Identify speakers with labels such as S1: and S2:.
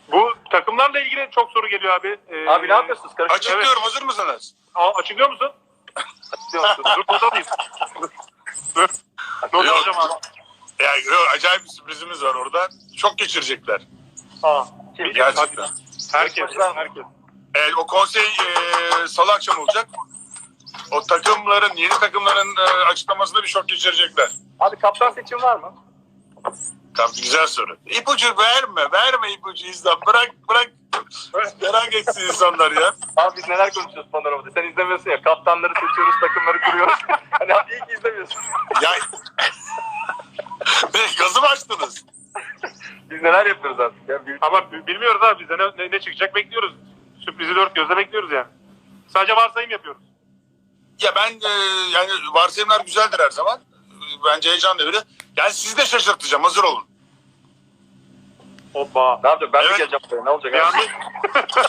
S1: Bu takımlarla ilgili çok soru geliyor abi.
S2: Abi ne yapıyorsunuz?
S3: Açıklıyorum,
S1: Evet.
S3: hazır mısınız?
S1: Açıklıyor musun? Dur burada alayım. Dur. Not
S3: Yok.
S1: alacağım abi.
S3: Yok, acayip bir sürprizimiz var orada. Çok geçirecekler.
S2: Kim?
S3: Gerçekten.
S1: Herkes.
S3: Evet, o konsey salı akşam olacak. O takımların, yeni takımların açıklamasında bir şok geçirecekler.
S2: Abi kaptan seçim var mı?
S3: Tamam, güzel soru. İpucu verme ipucu İzlan. Bırak. Merak etsin insanlar ya.
S2: Abi biz neler konuşuyoruz Panorama'da? Sen izlemiyorsun ya. Kaptanları seçiyoruz, takımları kuruyoruz. Hani abi iyi ki izlemiyorsun.
S3: Ya gazı mı açtınız?
S2: Biz neler yapıyoruz artık ya.
S1: Ama bilmiyoruz abi bize ne çıkacak bekliyoruz. Sürprizi dört gözle bekliyoruz yani. Sadece varsayım yapıyoruz.
S3: Ya ben yani varsayımlar güzeldir her zaman. Bence heyecan devri. Yani sizi de şaşırtacağım, hazır olun.
S1: Hoppa.
S2: Ne yapacağım? Ben
S3: Evet.
S2: mi geleceğim buraya? Ne olacak
S1: Bir
S2: abi?
S1: anda